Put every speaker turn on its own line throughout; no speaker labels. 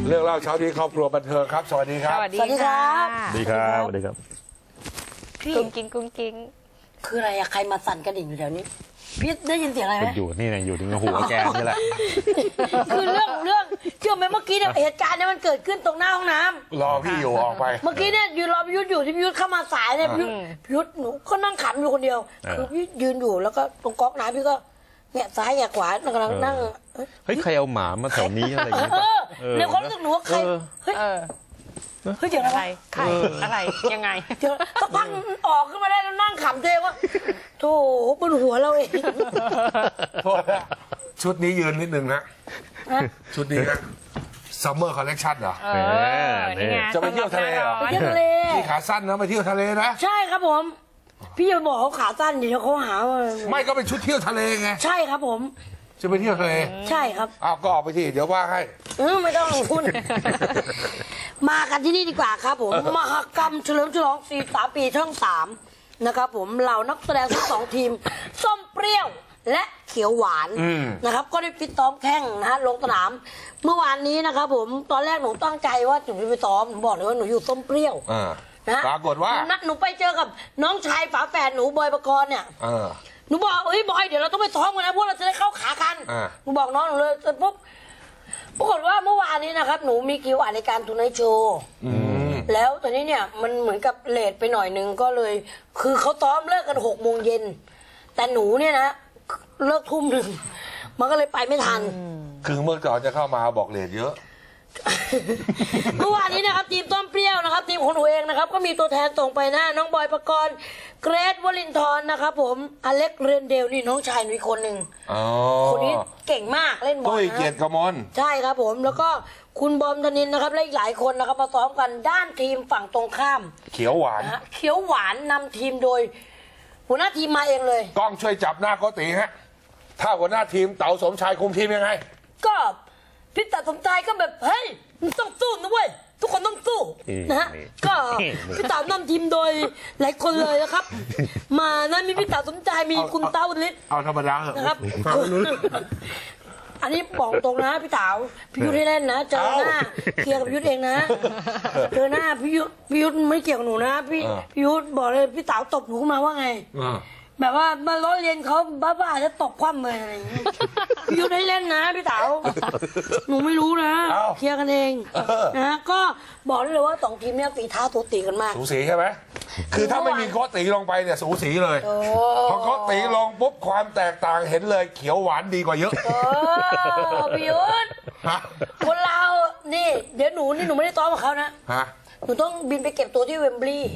เรื่องเล่าเช้านี้ครอบครัวบันเทิงครับสวัสดีครับ
สวัสดีครับ
สวัสดีครับสวัสดีครับ
พี่กุ้งกิ้ง
คืออะไรอะใครมาสั่นกระดิ่งอยู่แถวนี้พี่ได้ยินเสียงอะไรไหม
อยู่นี่ไงอยู่ที่หัวแกนี่แหละ
คือเรื่องเชื่อไหมเมื่อกี้เนี่ยเหตุการณ์เนี่ยมันเกิดขึ้นตรงหน้าห้องน้ำ
รอพี่อยู่ออกไป
เมื่อกี้เนี่ยยืนรอพี่ยุทธอยู่ที่พี่ยุทธเข้ามาสายเนี่ยพี่ยุทธหนูก็นั่งขำอยู่คนเดียวคือพี่ยืนอยู่แล้วก็ตรงก๊อกน้ำพี่ก็แงะซ้ายแงะขวากำลังนั่ง
เฮ้ยใครเอาหมามาแถวนี้อะไรอย่างเงี้ย
ในความรู้สึกหนูว่าใครเฮ้ยเจ๋งอะไร
ใครอะไรยังไง
สักพักออกขึ้นมาได้แล้วนั่งขำเจ๊ว่าโธ่บนหัวเราเอง
โทษนะชุดนี้ยืนนิดนึงนะชุดนี้นะซัมเมอร์คอลเลคชั่นเหรอจะไปเที่ยวทะเลเหรอ
ไปเที่ยวทะเล
พี่ขาสั้นนะไปเที่ยวทะเลนะ
ใช่ครับผมพี่จะบอกเขาขาสั้นเดี๋ยวเขาหาว่า
ไม่ก็เป็นชุดเที่ยวทะเลไง
ใช่ครับผม
จะไปเที่ยวทะเล
ใช่ครับ
อ้าวก็ออกไปที่เดี๋ยวว่าให้
ไม่ต้องพูดมากันที่นี่ดีกว่าครับผมมหกรรมเฉลิมฉลอง43 ปีช่อง3นะครับผมเหล่านักแสดงทั้ง2ทีมส้มเปรี้ยวและเขียวหวานนะครับก็ได้ฟิตซ้อมแข่งนะฮะลงสนามเมื่อวานนี้นะครับผมตอนแรกหนูตั้งใจว่าหนูจะไปซ้อมหนูบอกเลยว่าหนูอยู่ส้มเปรี้ยว
นะปรากฏว่า
นัดหนูไปเจอกับน้องชายฝาแฝดหนูบอยปกรณ์เนี่ยหนูบอกเฮ้ยบอยเดี๋ยวเราต้องไปซ้อมกันนะพวกเราจะได้เข้าขากันหนูบอกน้องหนูเลยจนปุ๊บปรากฏว่าเมื่อวานนี้นะครับหนูมีคิวอ่านรายการทูไนท์โชว์แล้วตอนนี้เนี่ยมันเหมือนกับเลทไปหน่อยนึงก็เลยคือเขาซ้อมเลิกกัน6 โมงเย็นแต่หนูเนี่ยนะเลิกทุ่ม 1มันก็เลยไปไม่ทัน
คือเมื่อก่อนจะเข้ามาบอกเลทเยอะ
เมื่อวานนี้นะครับทีมต้มเปรี้ยวนะครับทีมของหนูเองนะครับก็มีตัวแทนส่งไปนะน้องบอยปกรณ์เกรทวลินทร์นะครับผมอเล็กเรนเดลนี่น้องชายหนูอีกคนหนึ่งคนนี้เก่งมากเล่นบอล
ตุ้ยเกียรติกมล
ใช่ครับผมแล้วก็คุณบอมธนินนะครับและอีกหลายคนนะครับมาซ้อมกันด้านทีมฝั่งตรงข้าม
เขียวหวาน
เขียวหวานนำทีมโดยหัวหน้าทีมมาเองเลย
กล้องช่วยจับหน้าโกติฮะถ้าหัวหน้าทีมเต๋าสมชายคุมทีมยังไง
ก็พี่เต๋าสมชายก็แบบเฮ้ยต้องสู้นะเว้ยทุกคนต้องสู้นะฮะก็พี่เต๋านำทีมโดยหลายคนเลยนะครับมานะมีพี่เต๋าสมชายมีคุณเต้าฤทธิ์
เอาธรรมดา
นะครับอันนี้บอกตรงนะพี่เต๋าพี่ยุทธให้เล่นนะเจอหน้าเคลียร์กับยุทธเองนะเจอหน้าพี่ยุทธไม่เกี่ยวกับหนูนะพี่ยุทธบอกเลยพี่เต๋าตบหนูขึ้นมาว่าไงแบบว่ามาล้อเลียนเขาบ้าๆจะตบคว่ำเลยอะไรอย่างนี้พี่ยุทธให้เล่นนะพี่เต๋าหนูไม่รู้นะเคลียร์กันเองนะก็บอกได้เลยว่า2 ทีมเนี่ยฝีเท้าสูสีกันมาก
สูสีใช่ไหมคือถ้าไม่มีโกติลงไปเนี่ยสูสีเลยพอโกติลงปุ๊บความแตกต่างเห็นเลยเขียวหวานดีกว่าเยอะ
พี่ยุทธคนเรานี่เดี๋ยวหนูไม่ได้ต้อมกับเขานะหนูต้องบินไปเก็บตัวที่เวมบลีย์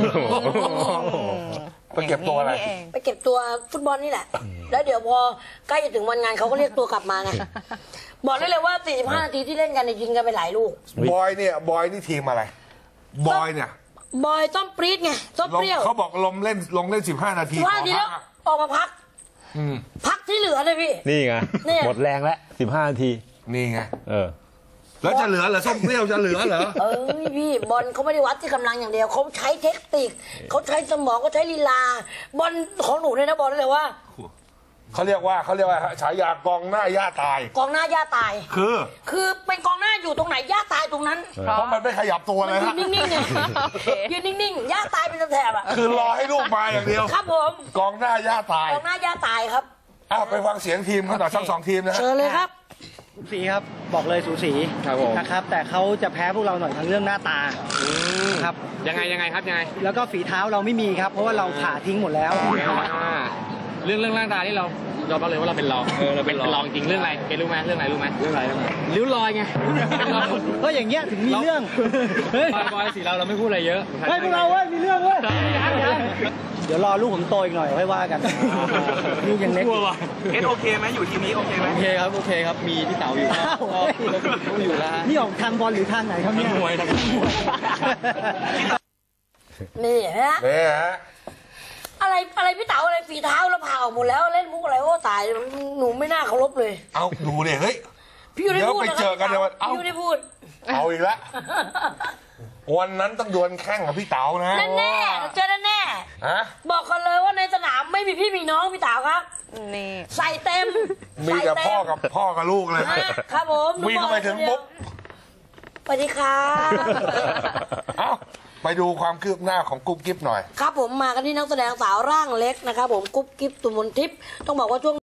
ไปเก็บตัวอะไร
ไปเก็บตัวฟุตบอลนี่แหละแล้วเดี๋ยวพอใกล้จะถึงวันงานเขาก็เรียกตัวกลับมาไงบอกได้เลยว่า45 นาทีที่เล่นกันยิงกันไปหลายลูก
บอยนี่ทีมอะไรบอยเนี่ย
บอยต้มปรี๊ดไงต้มเปรี้ยว
เขาบอกลงเล่น15 นาที
แล้วออกมาพักที่เหลือเลยพี่
นี่ไงหมดแรงแล้ว15 นาที
นี่ไงแล้วจะเหลือเหรอส้มเปรี้ยวจะเหลือเหรอ
พี่บอลเขาไม่ได้วัดที่กำลังอย่างเดียวเขาใช้เทคนิคเขาใช้สมองเขาใช้ลีลาบอลของหนูเนี่ยนะบอลเลยว่า
เขาเรียกว่าฉายากองหน้าย่าตาย
กองหน้าย่าตาย
คือ
เป็นกองหน้าอยู่ตรงไหนย่าตายตรงนั้น
เพราะมันไม่ขยับตัวเลยฮะ
นิ่งๆไงยืนนิ่งๆย่าตายเป็นแถบอ่ะ
คือรอให้ลูกมาอย่างเดียว
ครับผม
กองหน้าย่าตาย
กองหน้าย่าตายครับ
ไปฟังเสียงทีมเขาต่อทั้ง2 ทีมนะ
เชิญเลยครับ
สูสีครับบอกเลยสูสีนะครับแต่เขาจะแพ้พวกเราหน่อยทางเรื่องหน้าตาครับ
ยังไงครับยังไง
แล้วก็ฝีเท้าเราไม่มีครับเพราะว่าเราผ่าทิ้งหมดแล้ว
เรื่องหน้าตาที่เราบอกเลยว่าเราเป็นรองเราเป็นรองจริงเรื่องอะไรเกรู้ไหมเรื่องอะไรรู้ไหมริ้วรอยไง
ก็อย่างเงี้ยถึงมีเรื่อง
บอยสีเราไม่พูดอะไรเยอะ
ให้พวกเรามีเรื่องเว้ยเดี๋ยวรอลูกผมโตอีกหน่อยค่อยว่ากันลูกยังเล็ก
โอเคไหมอยู่ทีมนี้โอเคไหมโอเคครับมีพี่เต๋าอยู่ก็อยู่แล้ว
นี่ออกทางบอลหรือทางไหนครับเนี่ย
มวย
นี่ฮะอะไรพี่เต๋าอะไรฝีเท้าเราผ่าออกหมดแล้วเล่นมุกอะไรโอ้ตายหนูไม่น่าเคารพเลย
เอาดูเนี่ยเฮ้ย
พี่อยู่ได้พูด
ไปเจอกันเดี๋ยว
พี่อยู่ได้พูด
เอาอีกแล้ววันนั้นต้องดวลแข่งกับพี่เต๋านะ
แน่เจอแน่บอกกันเลยว่าในสนามไม่มีพี่มีน้องพี่เต๋าครับ
นี่
ใส่เต็ม
มีแต่พ่อกับลูกเลย
ครับผม
วิ่งเข้าไปถึงปุ๊บ
สวัสดีครับ
เอ้าไปดูความคืบหน้าของกุ๊บกิ๊บหน่อย
ครับผมมากันที่นักแสดงสาวร่างเล็กนะครับผมกุ๊บกิ๊บตุมนทิพย์ต้องบอกว่าช่วง